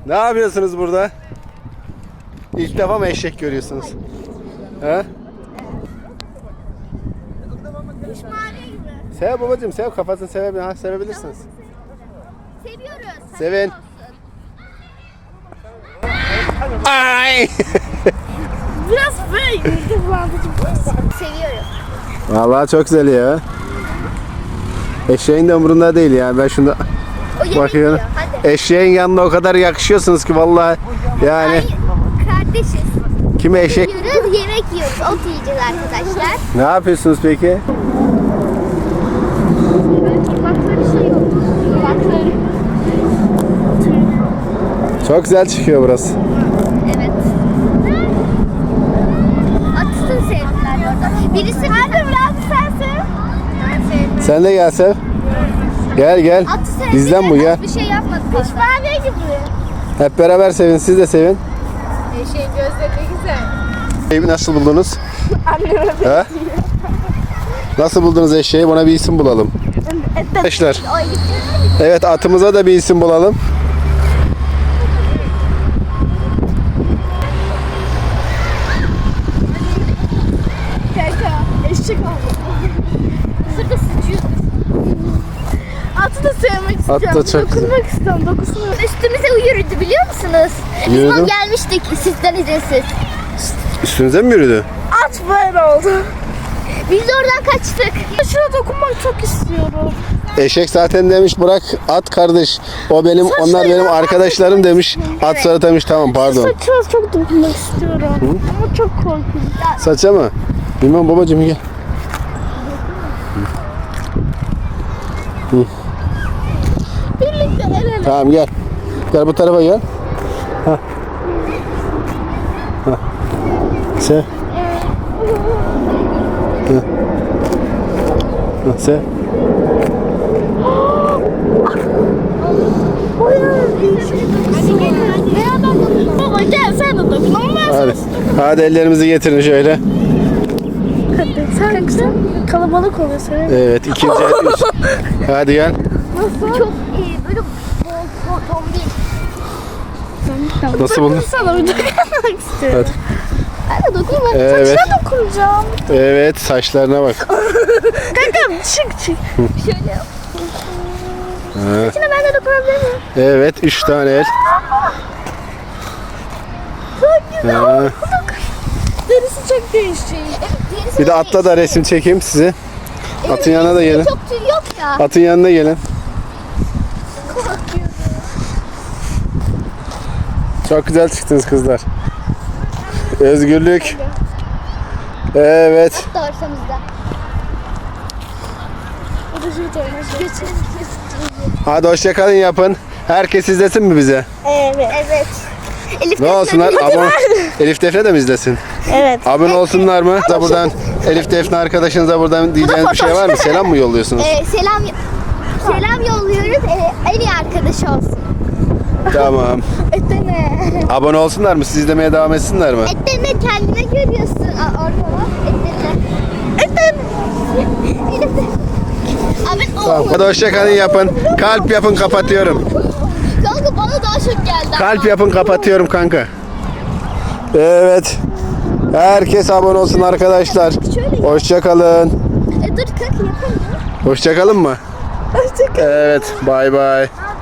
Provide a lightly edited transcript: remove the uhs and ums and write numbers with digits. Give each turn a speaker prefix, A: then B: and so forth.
A: Ne yapıyorsunuz burada? İlk defa mı eşek görüyorsunuz? He? Sev babacığım, sev, kafasını sevebilirsiniz.
B: Seviyoruz.
A: Sevin. Ay!
B: Biraz böyle seviyorum.
A: Vallahi çok güzel ya. Eşeğin de umurunda değil yani, ben şunda bakıyorum. Eşeğin yanında o kadar yakışıyorsunuz ki vallahi yani.
B: Ay, kardeşiz.
A: Kime eşek?
B: Yiyoruz, yemek yiyoruz. Ot yiyeceğiz arkadaşlar.
A: Ne yapıyorsunuz peki?
B: Kulakları şey yok. Kulakları.
A: Çok güzel çıkıyor burası.
B: Evet. Atısını sevdiler orada. Birisi nerede biraz sensin? Ben sevdim.
A: Sen de gel Sev. Gel.
B: Atı sevdi.
A: Bizden bu gel.
B: Bir şey yapmadı. Pişmaniye gibi.
A: Hep beraber sevin, siz de sevin.
B: Eşeğin gözleri ne güzel.
A: Eşeği nasıl buldunuz?
B: Anneme
A: He? Nasıl buldunuz eşeği? Buna bir isim bulalım. Arkadaşlar. Evet, atımıza da bir isim bulalım.
B: Eşek oldu. Sırda sıçıyor. Atı da sevmek istiyorum.
A: At da çok
B: Dokunmak istiyorum. Dokusunmuyor. Üstümüze yürüdü biliyor musunuz? Biz
A: Yürüdü.
B: o gelmiştik sizden izinsiz.
A: Üstünüze mi yürüdü?
B: At böyle oldu. Biz de oradan kaçtık. Şuna dokunmak çok istiyorum.
A: Eşek zaten demiş bırak at kardeş. O benim, onlar benim arkadaşlarım demiş. At sonra demiş tamam pardon.
B: Saçına çok dokunmak istiyorum. Ama çok korkunç.
A: Saça mı? Bilmem babacığım gel.
B: Birlikte el ele.
A: Tamam gel. Gel bu tarafa gel. Hah. Hah. Sev. Hah. Hah, sev.
B: Hadi gel. Beraber dokun. Baba gel sen de dokun.
A: Hadi. Hadi ellerimizi getirin şöyle.
B: Hadi sen kalabalık oluyor sen.
A: Evet, ikinci el. Hadi gel.
B: Nasıl? Çok iyi. Böyle bol tombik.
A: Nasıl buldun?
B: Sana bir dokunmak istiyorum.
A: Hadi.
B: Ben de dokunmak.
A: Evet.
B: Saçına dokunacağım.
A: Evet, saçlarına bak.
B: Kankam çık. Şöyle yap.
A: Ha.
B: Saçına ben de dokunabilir miyim?
A: Evet, 3 tane el.
B: Çok güzel.
A: Ha.
B: Derisi çok değişik. Evet, derisi
A: Bir de atla da resim çekeyim sizi. Atın yanına da gelin.
B: Çok tüy yok ya.
A: Atın yanına gelin. Çok güzel çıktınız kızlar. Özgürlük. Evet.
B: Doğursamızda. O da şu
A: Hadi hoşça kalın yapın. Herkes izlesin mi bize?
B: Evet. Elif
A: Ne olsunlar? Elif Defne de mi izlesin?
B: Evet.
A: Abone olsunlar mı? Da buradan Elif Defne arkadaşınıza buradan diyeceğiniz bir şey var mı? Selam mı yolluyorsunuz?
B: Selam yolluyoruz. En iyi arkadaşı olsun.
A: Tamam.
B: Etene.
A: Abone olsunlar mı? Siz izlemeye devam etsinler mi?
B: Etene kendine görüyorsun. Orada bak. Etene. Abi
A: Tamam. Hadi hoşça kalın yapın. Kalp yapın, kapatıyorum.
B: Kanka bana daha çok geldi.
A: Kalp yapın, kapatıyorum kanka. Evet. Herkes abone olsun arkadaşlar. Hoşça kalın.
B: Dur kalk yapalım.
A: Hoşça kalın mı?
B: Hoşçakal.
A: Evet. Bay bay.